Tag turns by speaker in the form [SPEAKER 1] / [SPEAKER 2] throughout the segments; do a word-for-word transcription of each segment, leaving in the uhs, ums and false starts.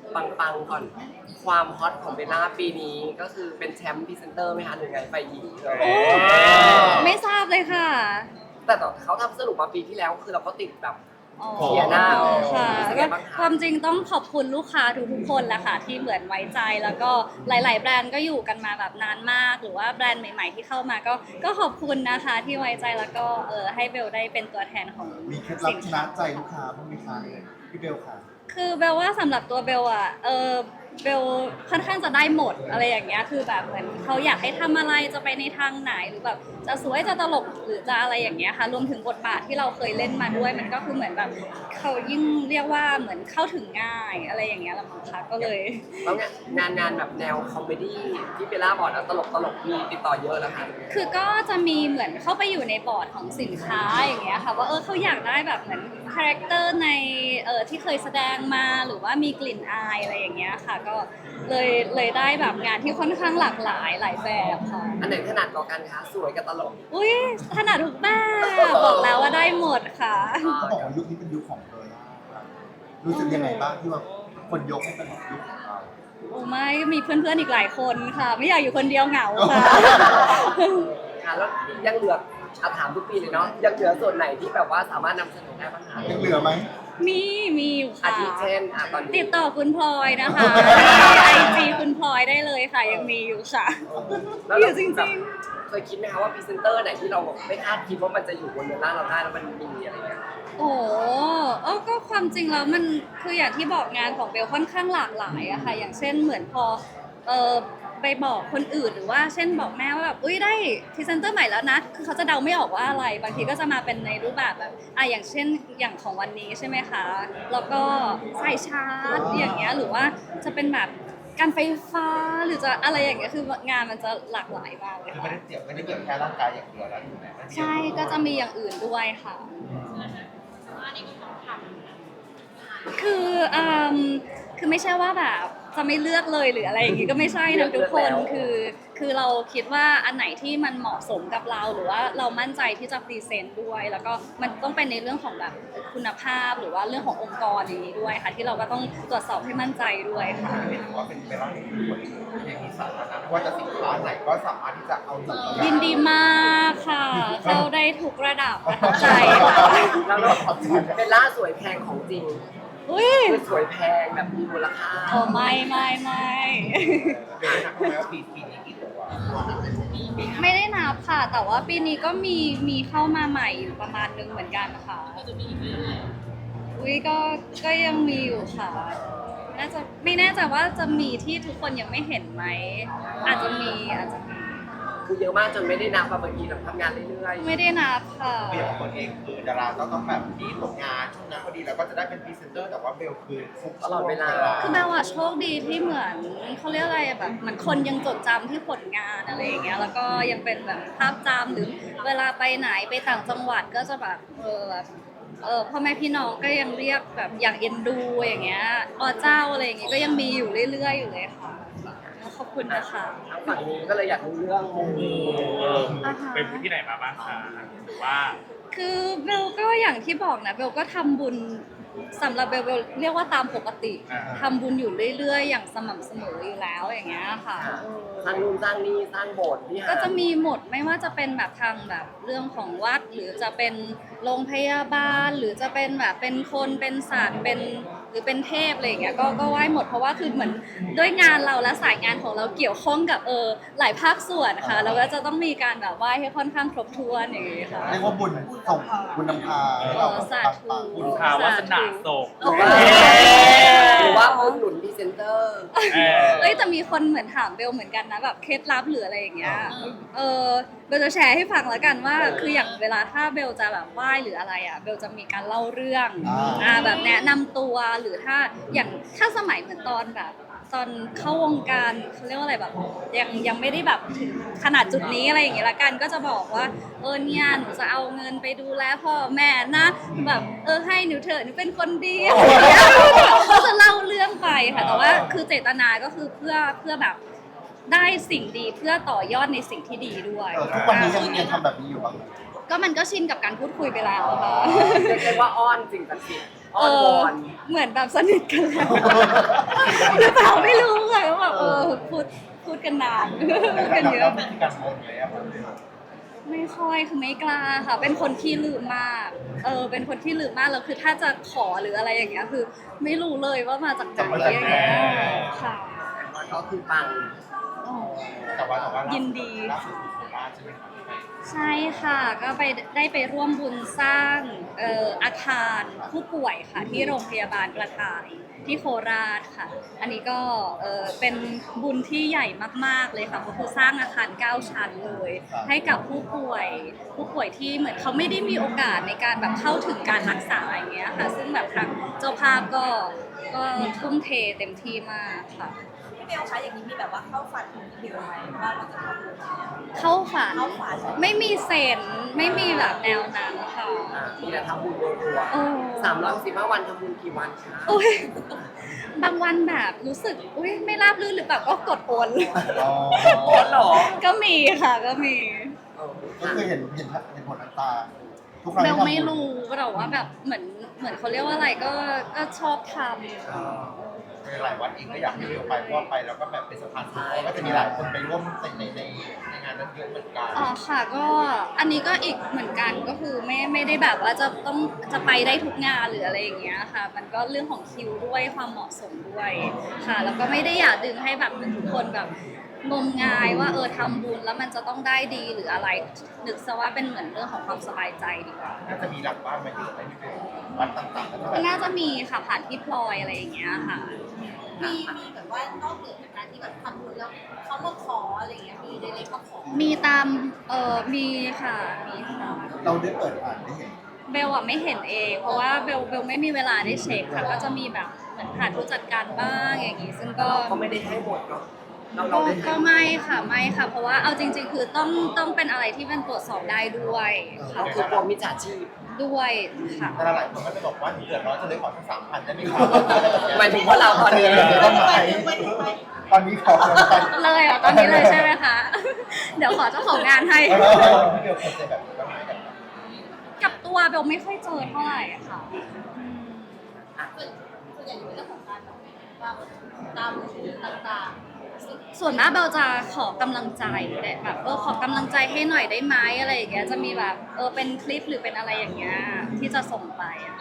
[SPEAKER 1] ปังๆก่อนความฮอตของเบลล่าปีนี้ก็คือเป็นแชมป์พรีเซนเตอร์ไหมคะหรือไงไฟหญิงเลย
[SPEAKER 2] โอ้ไม่ทราบเลยค่ะ
[SPEAKER 1] แต่เขาทำสรุปมาปีที่แล้วคือเราก็ติดแบบ
[SPEAKER 2] อ๋อ
[SPEAKER 1] เสียหน้า
[SPEAKER 2] ค่ะ
[SPEAKER 1] เป็นไง
[SPEAKER 2] ก็
[SPEAKER 1] บ้างคะ
[SPEAKER 2] ความจริงต้องขอบคุณลูกค้าทุกๆคนแหละค่ะที่เหมือนไว้ใจแล้วก็หลาย ๆ แบรนด์ก็อยู่กันมาแบบนานมาก หรือว่าแบรนด์ใหม่ ๆ ที่เข้ามาก็ก็ขอบคุณนะคะที่ไว้ใจแล้วก็เออให้เบลได้เป็นตัวแทนของ
[SPEAKER 3] มีเคล็ดลับ
[SPEAKER 2] สิน
[SPEAKER 3] ช
[SPEAKER 2] ค้า
[SPEAKER 3] นะใจลูกค้าบ้างไหมคะพี่เบลค่ะ
[SPEAKER 2] คือเบลว่าสำหรับตัวเบลอะเออเบลค่อนข้างจะได้หมดอะไรอย่างเงี้ยคือแบบเหมือนเขาอยากให้ทำอะไรจะไปในทางไหนหรือแบบจะสวยจะตลกหรือจะอะไรอย่างเงี้ยค่ะรวมถึงบทบาทที่เราเคยเล่นมาด้วยมันก็คือเหมือนแบบเขายิ่งเรียกว่าเหมือนเข้าถึงง่ายอะไรอย่างเงี้ยละมั้งคะก็เลย
[SPEAKER 1] แล้วเนี่ยงานงานแบบแนวคอมเมดี้ที่เบลล่าบอกนะตลกตลกมีติดต่อเยอะแล้วค่ะ
[SPEAKER 2] คือก็จะมีเหมือนเข้าไปอยู่ในบอร์ดของสินค้าอย่างเงี้ยค่ะว่าเออเขาอยากได้แบบเหมือนคาแรคเตอร์ในเออที่เคยแสดงมาหรือว่ามีกลิ่นอายอะไรอย่างเงี้ยค่ะก็เลยเลยได้แบบงานที่ค่อนข้างหลากหลายหลายแบบค่ะ
[SPEAKER 1] อันไหนถนัดกว่ากันคะสวยกับตลก
[SPEAKER 2] อุ้ยถนัดทุกแบบบอกแล้วว่าได้หมดค่ะ
[SPEAKER 3] เขาบอกว่ายุคนี้เป็นยุคของเบลล่าครับรู้สึกยังไงบ้างที่ว่าคนยกให้เป็นยุคของเรา
[SPEAKER 2] โอ้ไม่มีเพื่อนๆอีกหลายคนค่ะ ไม่อยากอยู่คนเดียวเหงาค่ะ
[SPEAKER 1] ค่ะแล้วยังเหลืออาถามทุกปีเลยเนาะยังเหลือส่วนไหนที่แบบว่าสามารถนำเสนอได้บ้างคะ
[SPEAKER 3] ยังเหลือไหม
[SPEAKER 2] มีมีอยู่
[SPEAKER 1] อา
[SPEAKER 2] ค่ะ
[SPEAKER 1] ทิเช่นอ่ะตอนนี้
[SPEAKER 2] ติดต่อคุณพลอยนะคะไอจีคุณพลอยได้เลยค่ะ ยังมีอยู่ค่ะ
[SPEAKER 1] แล้ว
[SPEAKER 2] อ
[SPEAKER 1] เรา
[SPEAKER 2] ยู่จริง
[SPEAKER 1] แบบเคยคิดไหมคะว่าพรีเซนเตอร์ไหนที่เราแบบไม่คาดคิดว่ามันจะอยู่บนเรือล่างเราได้แล้วมันมีอะไรเงี้ย
[SPEAKER 2] ๆ โอ้โหเออก็ความจริงแล้วมันคืออย่างที่บอกงานของเบลค่อนข้างหลากหลายอะค่ะ อย่างเช่นเหมือนพอเออไปบอกคนอื่นหรือว่าเช่นบอกแม่ว่าแบบอุ้ยได้พรีเซนเตอร์ใหม่แล้วนะคือเขาจะเดาไม่ออกว่าอะไร บางทีก็จะมาเป็นในรูปแบบแบบอ่ะอย่างเช่นอย่างของวันนี้ใช่ไหมคะแล้วก็สายชาร์จอย่างเงี้ยหรือว่าจะเป็นแบบการไฟฟ้าหรือจะอะไรอย่างเงี้ยคืองานมันจะหลากหลายมากเลย
[SPEAKER 4] คือไม่
[SPEAKER 2] ค่ะ
[SPEAKER 4] ได้เกี่ยวไม่ได้เกี่ยวแค่ร่างกายอย่างเดียวแล้วถูกไหมมันเกี่ยว
[SPEAKER 2] ใช่ก็จะมีอย่างอื่นด้วยค่ะ คืออืมคือไม่ใช่ว่าแบบจะไม่เลือกเลยหรืออะไรอย่างงี้ก็ไม่ใช่นะทุกคนคือคือเราคิดว่าอันไหนที่มันเหมาะสมกับเราหรือว่าเรามั่นใจที่จะพรีเซนต์ด้วย แล้วก็มันต้องเป็นในเรื่องของแบบคุณภาพหรือว่าเรื่องขององค์กรอย่างนี้ด้วยค่ะที่เราก็ต้องตรวจสอบให้มั่นใจด้วยค่ะ
[SPEAKER 4] ถือว่าเป็นเวลาที่คนอย่างมีสาระนะไม่ว่าจะสินค้าไหนก็สามารถที่จะเอาหยิบมา
[SPEAKER 2] ยินดีมากค่ะ เข้าได้ทุกระดับประทับใจค่ะ
[SPEAKER 1] แล้วเราเป็นล่าสวยแพงของจริง
[SPEAKER 2] อุ้ย
[SPEAKER 1] คือสวยแพงแบบมีมูลค่า
[SPEAKER 2] โอ้ไม่ไม่ไม่
[SPEAKER 4] เดี๋ยวนะแล้วปีปีนี้กี่ตัว
[SPEAKER 2] ไม่ได้นับค่ะ แต่ว่าปีนี้ก็มีมีเข้ามาใหม่อยู่ประมาณนึงเหมือนกันค่ะอุ้ยก็ก็ยังมีอยู่ค่ะ น่าจะไม่แน่ใจว่าจะมีที่ทุกคนยังไม่เห็นไหม อาจจะมีอาจจะมี
[SPEAKER 1] คือเยอะมากจนไม่ได้นับมาบางทีเราทำงานเรื่อย
[SPEAKER 2] ไม่ได้นับค่ะ
[SPEAKER 4] คืออย่างคนเองคือดาราก็ต้องแบบมีผลงานช่วงนั้นพอดีแล้วก็จะได้เป็นพรีเซนเตอร์แต่ว่าเบลคือฟุก
[SPEAKER 1] ๆตลอดเวลา
[SPEAKER 2] คือแปลว่าโชคดีที่เหมือนเขาเรียกอะไรอะแบบเหมือนคนยังจดจำที่ผลงานอะไรอย่างเงี้ยแล้วก็ยังเป็นแบบภาพจำหรือเวลาไปไหนไปต่างจังหวัดก็จะแบบเออแบบเออพ่อแม่พี่น้องก็ยังเรียกแบบอย่างเอ็นดูอย่างเงี้ยอ๋อเจ้าอะไรอย่างเงี้ยก็ยังมีอยู่เรื่อยๆอยู่เลยค่ะขอบคุณนะคะ
[SPEAKER 1] ทางฝั่งนี้ก็เลยอยากรู้เรื่องมู
[SPEAKER 2] อ่าฮะ
[SPEAKER 5] ไปมูที่ไหนมาบ้างคะหรือว่า
[SPEAKER 2] คือเบลก็อย่างที่บอกนะเบลก็ทำบุญสำหรับเบลเบลเรียกว่าตามปกติทำบุญอยู่เรื่อยๆ อย่างสม่ำเสมออยู่แล้วอย่างเงี้ยค่ะ
[SPEAKER 1] ค่ะ
[SPEAKER 2] เออ
[SPEAKER 1] สร้างนู่นสร้างนี่สร้างโบสถ์ที่หา
[SPEAKER 2] ก็จะมีหมดไม่ว่าจะเป็นแบบทางแบบเรื่องของวัด หรือจะเป็นโรงพยาบาล หรือจะเป็นแบบเป็นคนเป็นศาสตร์เป็นหรือเป็นเทพอะไรอย่างเงี้ยก็ก็ไหว้หมดเพราะว่าคือเหมือนด้วยงานเราและสายงานของเราเกี่ยวข้องกับเออหลายภาคส่วนค่ะเราก็จะต้องมีการแบบไหว้ให้ค่อนข้างครบถ้วนอย่างเงี้ยค่ะ
[SPEAKER 3] เรียกว่าบุญส่งบุญนำพาให้เรา
[SPEAKER 2] เออสาธุ
[SPEAKER 3] ปัง
[SPEAKER 5] บุญพาวาสนาส่ง
[SPEAKER 2] โอ้โห
[SPEAKER 1] หรือว่าบุญหนุนพรีเซนเตอร์
[SPEAKER 5] เออ
[SPEAKER 2] เอ้ยแต่มีคนเหมือนถามเบลเหมือนกันนะแบบเคล็ดลับหรืออะไรอย่างเงี้ย เออเบลจะแชร์ให้ฟังแล้วกันว่า คืออย่างเวลาถ้าเบลจะแบบไหว้หรืออะไรอ่ะเบลจะมีการเล่าเรื่องอ่าแบบแนะนำตัวหรือถ้าอย่างถ้าสมัยเหมือนตอนแบบตอนเข้าวงการเขาเรียกว่าอะไรแบบยังยังไม่ได้แบบถึงขนาดจุดนี้อะไรอย่างเงี้ยละกันก็จะบอกว่าเออเนี่ยหนูจะเอาเงินไปดูแลพ่อแม่นะแบบเออให้หนูเถอะหนูเป็นคนดีอะไรอย่างเงี้ยก็จะเล่าเรื่องไปค่ะแต่ว่าคือเจตนาก็คือเพื่อเพื่อแบบได้สิ่งดีเพื่อต่อยอดในสิ่งที่ดีด้วย
[SPEAKER 3] ๆเออทุกวันนี้ยังยังทำแบบนี้อยู่บ้างไหม
[SPEAKER 2] ก็มันก็ชินกับการพูดคุยไปแล้วค่ะ
[SPEAKER 1] เรียกได้ว่าอ้อนสิ่งศักดิ์สิทธิ์อ้
[SPEAKER 2] เอ
[SPEAKER 1] อนว
[SPEAKER 2] อ
[SPEAKER 1] อน
[SPEAKER 2] เหมือนแบบสนิทกันแล้วกันนานพูดกันเย
[SPEAKER 4] แล้
[SPEAKER 2] อะ
[SPEAKER 4] วมีการบนเลยอะผม
[SPEAKER 2] ไม่ค่อยคือไม่กล้าค่ะ เป็นคนที่ลืมมากเออเป็นคนที่ลืมมากแล้วคือถ้าจะขอหรืออะไรอย่างเงี้ยคือ ไม่รู้เลยว่ามาจากไหนอย่างเงี้ยค่ะ
[SPEAKER 1] แล้วก็คือปัง
[SPEAKER 2] อ๋อ
[SPEAKER 4] แต่ว่าแต่ว่าล่าสุ
[SPEAKER 2] ยินดี
[SPEAKER 4] ล่าสุดคือโคราชใช่ไหมครับที่ไป
[SPEAKER 2] ใช่ค่ะ ก็ไปได้ไปร่วมบุญสร้างเอ่ออาคารผู้ป่วยค่ะ ที่โรงพยาบาลกระต่ายที่โคราชค่ะ อันนี้ก็เอ่อเป็นบุญที่ใหญ่มากๆเลยค่ะก็คือสร้างอาคารเก้าชั้นเลย ให้กับผู้ป่วย ผู้ป่วยที่เหมือนเขาไม่ได้มีโอกาสในการแบบเข้าถึงการรักษาอย่างเงี้ยค่ะ ซึ่งแบบทางเจ้าภาพก็ก็ทุ่มเทเต็มที่มากค่ะ
[SPEAKER 6] พี่เบลคะอย่างนี้มีแบบว่าเข้าฝันของพี่เบลไหมว่าเราจะทำบุญเนี่ย
[SPEAKER 2] เข้าฝัน
[SPEAKER 6] เข้าฝัน
[SPEAKER 2] ไม่มีเซนไม่มีแบบแนวนั้นค่ะ
[SPEAKER 1] อ่ามีแต่ทำบุญรัว
[SPEAKER 2] โอ้
[SPEAKER 1] ๆสามร้อยสิบห้าวันทำบุญกี่วันคะ
[SPEAKER 2] อุ้ยบางวันแบบรู้สึกอุ้ยไม่ราบรื่นหรือเปล่าก็กดโอน
[SPEAKER 3] อ๋อ
[SPEAKER 1] โอ้หรอ
[SPEAKER 2] ก็มีค่ะก็มี
[SPEAKER 1] เออ
[SPEAKER 3] ก็คือเห็นเห็นเห็นผลน้ำตาทุกครั้ง
[SPEAKER 2] เบ
[SPEAKER 3] ที่
[SPEAKER 2] ล
[SPEAKER 3] ทำบุญ
[SPEAKER 2] ไม่รู้แต่ว่าแบบเหมือนเหมือนเขาเรียกว่าอะไรก็ก็ชอบท
[SPEAKER 4] หลายวัดเองก็อยากให้เร็วไปเพราะว่าไปแล้วก็แบบเป็นสะพานบุญเพราะก็จะมีหลายคนไปร่วมในในในในงานนั้นเยอะเหมือนกัน
[SPEAKER 2] ำอ๋อค่ะก็อันนี้ก็อีกเหมือนกันก็คือไม่ไม่ได้แบบว่าจะต้องจะไปได้ทุกงานหรืออะไรอย่างเงี้ยค่ะ มันก็เรื่องของคิวด้วยความเหมาะสมด้วยค่ะ แล้วก็ไม่ได้อยากดึงให้แบบเหมือนทุกคนแบบงมงายว่าเออทำบุญแล้วมันจะต้องได้ดีหรืออะไรนึกซะว่าเป็นเหมือนเรื่องของความสบายใจดีกว่า
[SPEAKER 4] น่าจะมีหลักบ้านมาเยอะไหมพี่เบลวัดต่างๆแล้วก็แบบ
[SPEAKER 2] น่าจะมีค่ะผ่านพี่พลอยอะไรอย่างเงี้ยค่ะ
[SPEAKER 6] มีมีแบบว่านอกเหนือจากการที่แบบทำบุญแล้วเขามาขออะไรอย่างเงี้ยมีเล็กๆมาขอ
[SPEAKER 2] มีตามเออมีค่ะมีค่ะ
[SPEAKER 3] เราได้เปิดอ่านได้เห็น
[SPEAKER 2] เบลอะไม่เห็นเอง เพราะว่าเบลเบลไม่มีเวลาได้เช็คค่ะ ก็จะมีแบบเหมือนผ่านผู้จัดการบ้างอย่างงี้ ซึ่งก็
[SPEAKER 1] ก็ไม่ได้ให้หมดเนาะเรา
[SPEAKER 2] ก็
[SPEAKER 1] เราได้ให้
[SPEAKER 2] ก็ไม่ค่ะไม่ค่ะ เพราะว่าเอาจริง ๆ คือต้องต้องเป็นอะไรที่มันตรวจสอบได้ด้วยค่ะ
[SPEAKER 1] เราคือกลัวมิจฉาชีพ
[SPEAKER 2] ด้วยค่ะ
[SPEAKER 4] แต่หลายคนก็จะบอกว่าหนูเดือดร้อนจะเลยขอสักสามพันได้ไหมครับ
[SPEAKER 1] หมายถึงว่าเราตอนนี้
[SPEAKER 3] เออ
[SPEAKER 4] ต้นไม้ตอนนี้ขอเงินไป
[SPEAKER 2] เลยเหรอตอนนี้เลยใช่ไหมคะ เดี๋ยวขอเจ้าของงานให้
[SPEAKER 4] เออพี่เบลเคยเจอแบบนี้บ้างไหมแบบ
[SPEAKER 2] กับตัวเบลไม่ค่อยเจอเท่าไหร่อะค่ะอืม
[SPEAKER 6] ส่วนใหญ่เป็นเรื่องของการแบบว่าตามบุญต่าง
[SPEAKER 2] ส่วนมากเบลจะขอกำลังใจได้แบบเออขอกำลังใจให้หน่อยได้ไหมอะไรอย่างเงี้ยจะมีแบบเออเป็นคลิปหรือเป็นอะไรอย่างเงี้ยที่จะส่งไปอะ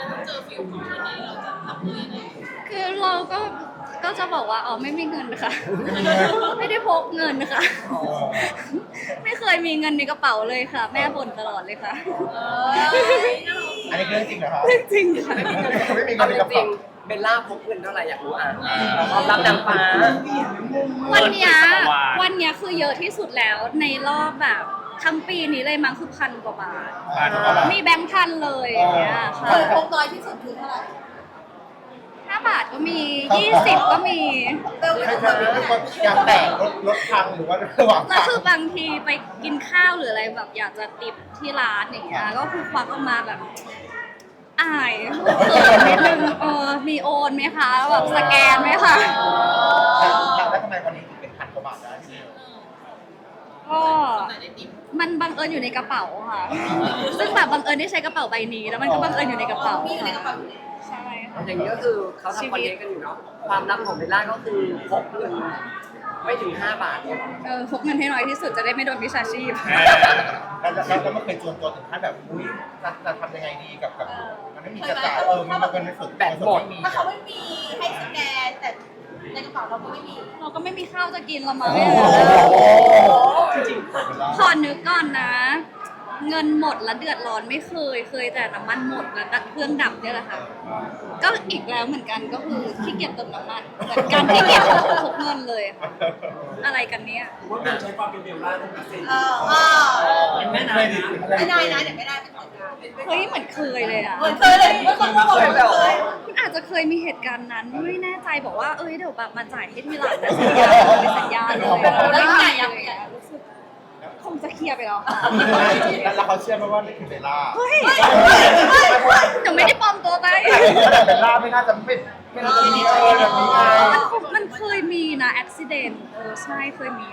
[SPEAKER 2] คือเราก็ก็จะบอกว่าอ๋อไม่มีเงินค่ะ ไม่ได้พกเงินค่ะ ไม่เคยมีเงินในกระเป๋าเลยค่ะ แม่บ่นตลอดเลยค่ะ
[SPEAKER 6] ๆเออ
[SPEAKER 4] อันนี้เรื่องจริงเหรอครับ
[SPEAKER 2] จริงค่ะ
[SPEAKER 4] ไม่มีเงิ
[SPEAKER 1] เอา
[SPEAKER 4] นใน
[SPEAKER 1] จ
[SPEAKER 4] กระ
[SPEAKER 1] ริ
[SPEAKER 4] เป๋าง
[SPEAKER 1] ๆเบลล่าพกเงินเท่าไหร่อยากรู้อ่ะความลับนางฟ้า
[SPEAKER 2] วันเนี้ยวันเนี้ยคือเยอะที่สุดแล้วในรอบแบบทั้งปีนี้เลยมั้งคือพันกว่าบาท
[SPEAKER 4] อ่าถูกปะล่ะ
[SPEAKER 2] มีแบงค์พันเลยอย่างเงี้ยค่ะ
[SPEAKER 6] คือคงน้อยที่สุดคือเท่าไหร่
[SPEAKER 2] ห้าบาทก็มียี่สิบก็มี
[SPEAKER 6] เบล
[SPEAKER 4] ไม่
[SPEAKER 6] เป็น
[SPEAKER 4] ใช่
[SPEAKER 6] คน
[SPEAKER 4] ไม่ใช่ยางแตกรถรถพังหรือว่าระหว่าง
[SPEAKER 2] แล้ว
[SPEAKER 4] ทาง
[SPEAKER 2] คือบางทีไปกินข้าวหรืออะไรแบบอยากจะติปที่ร้านอย่างเงี้ยก็คือควักออกมาแบบอายเขินนิดนึงเออมีโอนไหมคะแบบสแกนไหมคะ
[SPEAKER 4] แล้วทำไมวันนี้ถึงเป็นพันกว่าบาทได้พี่เบล
[SPEAKER 2] ก็มันบังเอิญอยู่ในกระเป๋าค่ะ ซึ่งแบบบังเอิญได้ใช้กระเป๋าใบนี้ แล้วมันก็บังเอิญอยู่ในกระเป๋า
[SPEAKER 6] มีอยู่ในกระเป๋าอยู่แล้ว
[SPEAKER 2] ใช่ค่ะ
[SPEAKER 1] อย่างนี้ก็คือเขาทำคอนเทนต์กันอยู่เนาะความลับของเบลล่าก็คือพกเงินไม่ถึงห้าบาทเนี่ย
[SPEAKER 2] เออพกเงินให้น้อยที่สุดจะได้ไม่โดนวิชาชีพ
[SPEAKER 4] แล้วแล้วแล้วมันเคยจวนตัวถึงขั้นแบบอุ้ยจะจะทำยังไงดีกับกับมันไม่มีจะจ่ายเออมันมันในส่วนแบบหมดมี
[SPEAKER 6] ถ้าเขาไม่มีให้สแกนแต่ในกระเป๋าเราก็ไม่มี
[SPEAKER 2] เราก็ไม่มีข้าวจะกินละมั้ง
[SPEAKER 1] จริง
[SPEAKER 2] ขอนึกก่อนนะ เงินหมดแล้วเดือดร้อนไม่เคย เคยแต่น้ำมันหมดแล้วตัดเครื่องดับเนี่ยแหละค่ะ ก็อีกแล้วเหมือนกันก็คือขี้เกียจเติมน้ำมันเหมือนกันขี้เกียจพกเงินเลยค่ะ อะไรกันเนี้ย
[SPEAKER 7] ว่าเบลใช้ความเป็นเบลล่าเป็นพิเศษ
[SPEAKER 6] เออเออ
[SPEAKER 7] เป็นแม่นา
[SPEAKER 4] เค
[SPEAKER 7] ย
[SPEAKER 4] ยดิ
[SPEAKER 7] นะ
[SPEAKER 6] ไม่ได้นะเดี๋ยวไม่ได้เป็นคนงาน
[SPEAKER 2] เฮ้ยเหมือนเคยเลยอ่ะ
[SPEAKER 6] เหมือนเคยเลยเมื่อคนพูดเหมือนเคย
[SPEAKER 2] มันอาจจะเคยมีเหตุการณ์นั้นไม่แน่ใจบอกว่าเอ้ยเดี๋ยวแบบมาจ่ายให้ทีหลังนะสัญญาเป็นสัญญาเลยแล้วไงอะรู้สึกคงจะเคลียร์ไปแล้วค่ะ
[SPEAKER 4] แล้วเขาเชื่อไหมว่านี่คือเบลล่า
[SPEAKER 2] เฮ้ยหนูไม่ได้ปลอมตัวไป
[SPEAKER 4] แต่เบลล่าไม่น่าจะเป็นเป็นทีนี้เออแบบนี้ไง
[SPEAKER 2] มันมันเคยมีนะอุบิเหตุเออใช่เคยมีค่ะ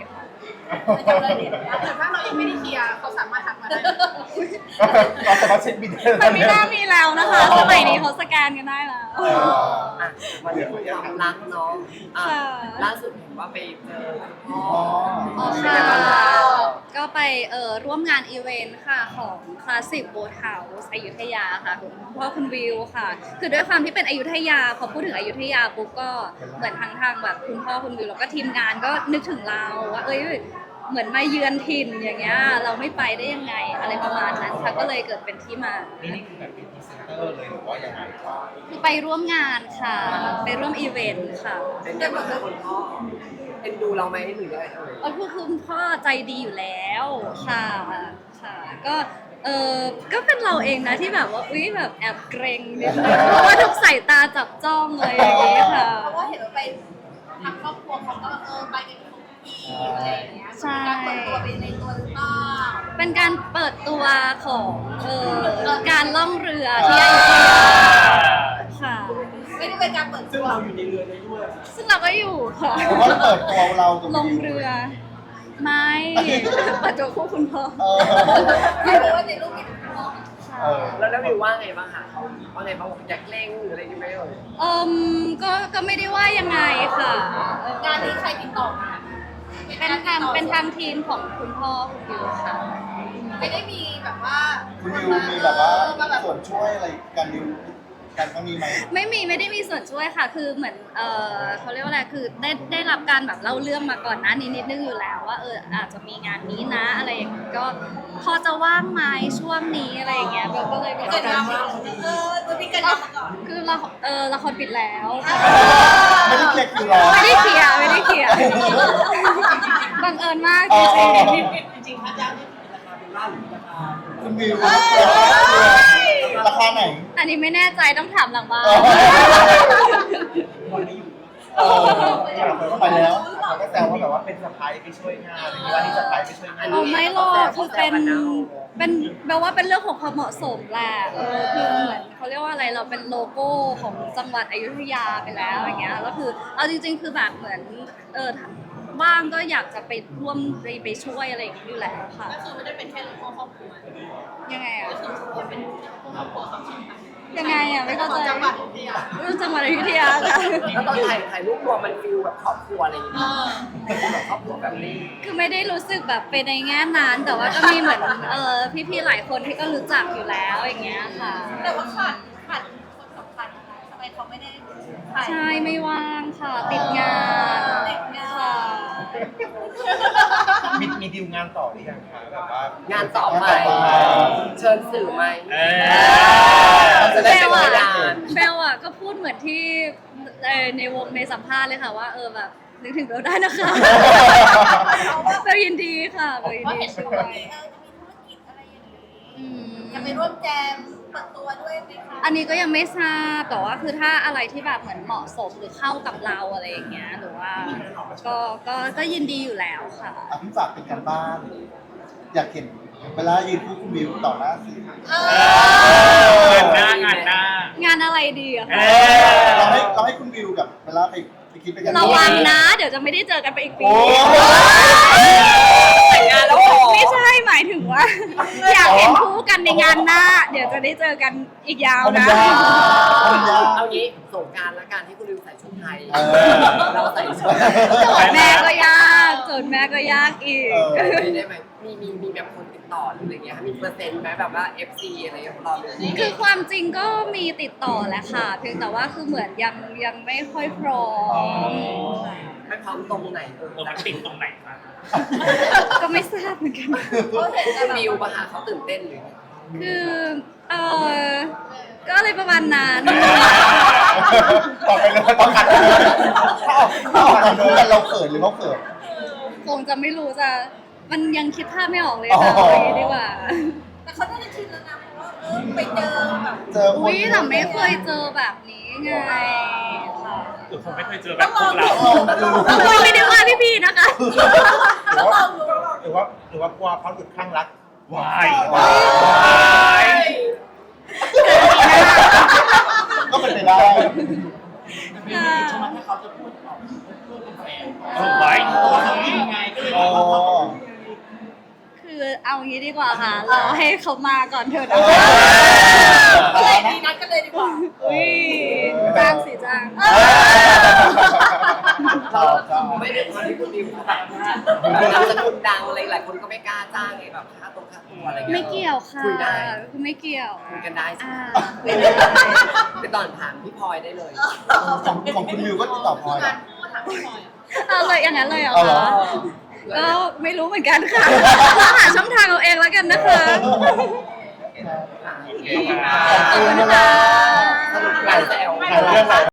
[SPEAKER 6] จำเลยเด็ด
[SPEAKER 8] แต่ถ้าเรายังไม่ได้เคลียร์เขาสามารถทักมาได้
[SPEAKER 4] เราสามารถเช็คบินได้
[SPEAKER 2] มันไม่น่ามีแล้วนะคะสมัยนี้เขาสแกนกันได้แล้ว
[SPEAKER 4] เออ
[SPEAKER 1] อ่ะมาเรื่องความรักเนาะอ่ะ
[SPEAKER 2] ค่ะ
[SPEAKER 1] ล่าสุดเห็นว่าไปเจอพ่อ
[SPEAKER 2] อ๋อค่ะ ก็ไปเอ่อร่วมงานอีเวนต์ค่ะของคลาสสิกโบเทาส์อยุธยาค่ะคุณพ่อคุณวิวค่ะ คือด้วยความที่เป็นอยุธยาพอพูดถึงอยุธยาปุ๊บก็เหมือนทางทางแบบคุณพ่อคุณวิวแล้วก็ทีมงานก็นึกถึงเราว่าเอ้ยเหมือนมาเยือนถิ่นอย่างเงี้ยเราไม่ไปได้ยังไงอะไรประมาณนั้นค่ะก็เลยเกิดเป็นที่มา
[SPEAKER 4] นี่นี่คือแบบเป็นพรีเซนเตอร์เลยหรือว่ายังไงครับ
[SPEAKER 2] คือไปร่วมงานค่ะ ไปร่วมอีเวนต์ค่ะ
[SPEAKER 1] เป็นได้มาเจอคุณพ่อเอ็นดูเราไหมหรือยังไงเอ่ย
[SPEAKER 2] เออคือคุณพ่อใจดีอยู่แล้วค่ะค่ะ ก็เออก็เป็นเราเองนะที่แบบว่าอุ้ยแบบแอบเกรงนิดนึงเพราะว่าทุกสายตาจับจ้องเลยอย่างนี้ค่ะ
[SPEAKER 6] เพราะว่าเห็นว่าไปทางครอบครัวเขาก็เออไปกันทุกทีอะไรอย่างเงี้ย
[SPEAKER 2] ใช่
[SPEAKER 6] การเปิดตัวเป็นในตัวหรือเปล่า
[SPEAKER 2] เป็นการเปิดตัวของเออการล่องเรือที่อยุธยาค่ะ
[SPEAKER 6] ไม่ได้เป็นการเปิด
[SPEAKER 7] ซึ่ง
[SPEAKER 6] ตัว
[SPEAKER 7] เราอยู่ในเรือนี้ด้วย
[SPEAKER 2] ซึ่งเราก็อยู่ค่ะ
[SPEAKER 3] หรือว่าเปิดตัวเราตรง
[SPEAKER 2] ล
[SPEAKER 3] นี้
[SPEAKER 2] งเรือ ไม่เปิดตัวคู่คุณพ่อ
[SPEAKER 3] เออ
[SPEAKER 6] ไม่รู้ว่าในรูปมีคุณพ่อ
[SPEAKER 3] เออ
[SPEAKER 1] แล้วแล้ววิวว่าไงบ้างคะว่าไงบ้างบอกอยากเล่งหรืออะไรอย่างเงี้ยไหมเอ่ย
[SPEAKER 2] เอืมก็ก็ไม่ได้ว่ายังไงค่ะเออง
[SPEAKER 6] านนี้ใครติดต่อมา
[SPEAKER 2] เป็นทางเป็นทางทีมของคุณพ่อคุณวิวค่ะ
[SPEAKER 6] ไม่ได้มีแบบว่า
[SPEAKER 3] คุณวิวมีแบบว่า
[SPEAKER 6] มาแบบ
[SPEAKER 3] ส่วนช่วยอะไรการดิวการครั้งนี้ไหม
[SPEAKER 2] ไม่มีไม่ได้มีส่วนช่วยค่ะ คือเหมือนเออเขาเรียกว่าอะไรคือได้ได้รับการแบบเล่าเรื่องมาก่อนหน้านี้นิดนึงอยู่แล้วว่าเอออาจจะมีงานนี้นะอะไรอย่างเงี้ยก็พอจะว่างไหมช่วงนี้อะไรอย่างเงี้ยเบลก็เลยบอก
[SPEAKER 6] เกิด
[SPEAKER 2] ว่า
[SPEAKER 6] มาเออมันมีกันมาก่อน
[SPEAKER 2] คือละเออละครปิดแล้ว
[SPEAKER 3] ไม่ได้เคลียร์คิวรอ
[SPEAKER 2] ไม่ได้เคลียร์ไม่ได้เคลียร์บังเอิญมาก
[SPEAKER 3] อ๋
[SPEAKER 2] จ
[SPEAKER 3] อ
[SPEAKER 2] ริง
[SPEAKER 7] จริงๆค่าจ้างนี่เป็นราคาเป็นล่าหรือราคา
[SPEAKER 3] คุณวิวราคาไหน
[SPEAKER 2] ๆอันนี้ไม่แน่ใจต้องถามหลังบ้าน
[SPEAKER 3] อ๋อ
[SPEAKER 7] คนไม่อยู่
[SPEAKER 3] เออไปแล้ว
[SPEAKER 4] เขาก็แซวว่าแบบว่าเป็นสะพายไปช่วยงานอะไรอย่างเงี้ยว่าที่สะพายไปช่วยงาน
[SPEAKER 2] เอาไม่หรอกคือเป็นเป็นแปลว่าเป็นเรื่องของความเหมาะสมแหละเออคือเหมือนเขาเรียกว่าอะไรเราเป็นโลโก้ของจังหวัดอยุธยาไปแล้วอย่างเงี้ยแล้วคือเอาจริง ๆ คือแบบเหมือนเออว่างก็อยากจะไปร่วมไปไปช่วยอะไรอย่างเงี้ยอยู่แล้วค่ะ
[SPEAKER 8] ก็คือไม่ได้เป็นแค่เรื่องของครอบครัว
[SPEAKER 2] ยังไงอ่ะ
[SPEAKER 8] ก็คือเป็นครอบครัวสองชิ้นค่ะ
[SPEAKER 2] ยังไงอ่ะไม่เข้าใจ
[SPEAKER 8] จังหวัดอยุธยา
[SPEAKER 2] เรื่องจังหวัดอยุธยาค่ะ
[SPEAKER 1] แล้วตอนถ่ายถ่ายรูปรวมมันฟิลแบบครอบครัวอะไรอย่างเงี้ยแบบครอบครัวแบบนี้
[SPEAKER 2] คือไม่ได้รู้สึกแบบเป็นในแง่นั้นแต่ว่าก็มีเหมือนเออพี่ๆหลายคนที่ก็รู้จักอยู่แล้วอย่างเงี้ยค่ะ
[SPEAKER 6] แต่ว่าขาดขาดคนสำคัญนะคะทำไมเขาไม่ได้ถ่าย
[SPEAKER 2] ใช่ไม่ว่างค่ะ ติดงาน
[SPEAKER 6] ติดงาน
[SPEAKER 2] ค่ะ
[SPEAKER 4] มีมีดีลงานต่อหรือยังคะแบบว่าง
[SPEAKER 1] านต่อไปเชิญสื่อไหม
[SPEAKER 5] เอ
[SPEAKER 1] จะ
[SPEAKER 2] เบ
[SPEAKER 1] ได้เป็น
[SPEAKER 2] ล
[SPEAKER 1] พ
[SPEAKER 2] อะ
[SPEAKER 1] ยาน
[SPEAKER 2] เบลอะก็พูดเหมือนที่เอ่อในวงในสัมภาษณ์เลยค่ะว่าเออแบบนึกถึงเบลได้นะคะเบลยินดีค่ะเบลยิน
[SPEAKER 6] เพราะ
[SPEAKER 2] ดี
[SPEAKER 6] เห็น
[SPEAKER 2] ช่
[SPEAKER 6] ว่า
[SPEAKER 2] วย
[SPEAKER 6] เออจะมีธุรกิจอะไรอย่างนี้
[SPEAKER 2] อืม
[SPEAKER 6] จะไปร่วมแจมเปิดตัวด้วยไหมคะ
[SPEAKER 2] อันนี้ก็ยังไม่ทราบแต่ว่าคือถ้าอะไรที่แบบเหมือนเหมาะสมหรือเข้ากับเราอะไรอย่างเงี้ยหรือว่าก็ก็ก็ยินดีอยู่แล้วค่ะ
[SPEAKER 3] อ่ะพี่ฝากเป็นการบ้าน อยากเห็นเวลายืนคู่คุณวิวต่อหน้าสื่อ
[SPEAKER 6] เอ
[SPEAKER 5] องานหน้างานหน้าง
[SPEAKER 2] านอะไรดีอะ
[SPEAKER 5] เอ
[SPEAKER 2] คะ
[SPEAKER 5] อ
[SPEAKER 3] เราให้เราให้คุณวิวกับเวลาไปไปคิดไปกัน
[SPEAKER 2] ระวังนะ เดี๋ยวจะไม่ได้เจอกันไปอีกปี
[SPEAKER 3] โอ้
[SPEAKER 1] แต่งงานแล้วเหรอ
[SPEAKER 2] ไม่ใช่หมายถึงว่า อยากเห็นคู่กันในงานหน้า เดี๋ยวจะได้เจอกันอีกยาว
[SPEAKER 3] เอามัน
[SPEAKER 2] นะ
[SPEAKER 3] ยากเอามันยาก
[SPEAKER 1] เอางี้สงกรารละกันที่คุณลืมใส่ชุดไทย
[SPEAKER 3] เออ
[SPEAKER 1] เราใส่ชุด
[SPEAKER 2] โจทย์แม่ก็ยากโจทย์แม่ก็ยากอีก
[SPEAKER 3] เออ
[SPEAKER 1] ได้ไหมมีมีมีแบบคนติดต่อหรืออะไรเงี้ยมีเปอร์เซ็นต์ไหมแบบว่า เอฟ ซี อะไรอย่างเงี้ยของเราเลย
[SPEAKER 2] คือความจริงก็มีติดต่อแหละค่ะ เพียงแต่ว่าคือเหมือนยังยังไม่ค่อยพร้อม
[SPEAKER 1] ไม่พร้อมตรงไหนเออ
[SPEAKER 5] เออมันติดตรงไหนคะ
[SPEAKER 2] ก็ไม่ทราบเหมือนกัน
[SPEAKER 6] เขาเห็นแต่แบบ
[SPEAKER 1] วิวปะคะเขาตื่นเต้นหรือ
[SPEAKER 2] คือเออก็อะไรประมาณนั้น
[SPEAKER 4] ต่อไปเลยต้องขัดเลย
[SPEAKER 3] ถ้าออกมาคู่กันเราเขินหรือเขาเขิน
[SPEAKER 2] คงจะไม่รู้จะมันยังคิดภาพไม่ออกเลยค่ะ
[SPEAKER 3] อ๋อ
[SPEAKER 2] เอาอย่างนี้ดีกว่า
[SPEAKER 6] แต่เขาน่าจะชินแล้วนะเพราะว่าเออไปเจอแบบ
[SPEAKER 3] เจอคน
[SPEAKER 2] อุ้ยแต่ไม่เคยเจอแบบนี้ไงค่ะ
[SPEAKER 5] หรือผมไม่เคยเจอแบบพวกเรา
[SPEAKER 3] ลองดู
[SPEAKER 2] คุยไม่ได้ว่าพี่ๆนะคะ
[SPEAKER 4] หรือว่าหรือว่าหรือว่ากลัวเขาหลุดข้างรัก
[SPEAKER 5] วายว
[SPEAKER 3] าย
[SPEAKER 5] าย
[SPEAKER 3] ก็เป็นไปได้
[SPEAKER 7] ไม่ได้ใช่ไหมถ้าเขาจะพูดออกเพื่อเป็นแฟน
[SPEAKER 5] เออไว้
[SPEAKER 7] ตัวเขาเองไงก็เลยแบบว่าเขา
[SPEAKER 2] เอางี้ดีกว่าค่ะรอให้เขามาก่อนเถอะนะ
[SPEAKER 6] ก็เลยดีนัดกันเลยดีกว่า
[SPEAKER 2] อุ้ยจ้างสิจ้าง
[SPEAKER 1] เราไม่ได้คนที่คุณดิวแบบนามสกุลดังอะไรหลายคนก็ไม่กล้าจ้างไงแบบค่าตรงค่าตัวอะไรเงี้ย
[SPEAKER 2] ไม่เกี่ยวค่ะ
[SPEAKER 1] คุยได้
[SPEAKER 2] คือไม่เกี่ยว
[SPEAKER 1] คุยกันได้ใช่ไห
[SPEAKER 2] อ่าม
[SPEAKER 1] ไปตอนถามพี่พลอยได้เลย
[SPEAKER 3] ของของคุณมิวก็ติดต่อพลอยเหรอ
[SPEAKER 8] ถามพี่พลอยอะ
[SPEAKER 2] เอาเลยอย่างนั้นเลยเหรอ
[SPEAKER 3] เอาเหรอ
[SPEAKER 2] คะก็ไม่รู้เหมือนกันค่ะหาช่องทางเอาเองแล้วกันนะคะ
[SPEAKER 5] โอเคค่ะ
[SPEAKER 2] ขอบคุณนะคะ